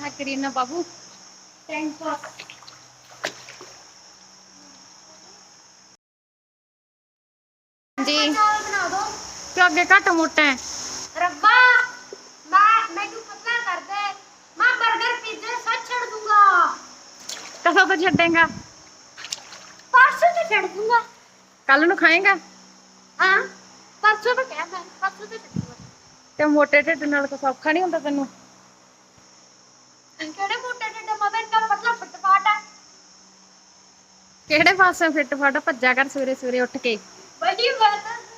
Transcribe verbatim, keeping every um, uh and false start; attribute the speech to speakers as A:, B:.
A: करीना बाबू जी
B: बना दो
A: क्यों अगे घट मोटा है
B: रब्बा मैं मैनू पतला कर दे मैं बर्गर पिज्जा सब छोड़ दूंगा
A: कदों तो छेगा
B: परसों तो छोड़ दूंगा
A: कल नू खाएगा
B: हाँ परसों तो क्या मैं परसों तो छोड़ूंगा
A: ते मोटे ढिड नाल कुछ औखा नहीं हुंदा तैनूं
B: केड़े मोटे ढिड मदा इतना पतला फटफाट है
A: किहड़े पासे फिट फट भज्जा कर सवेरे सवेरे उठ के
B: बड़ी बात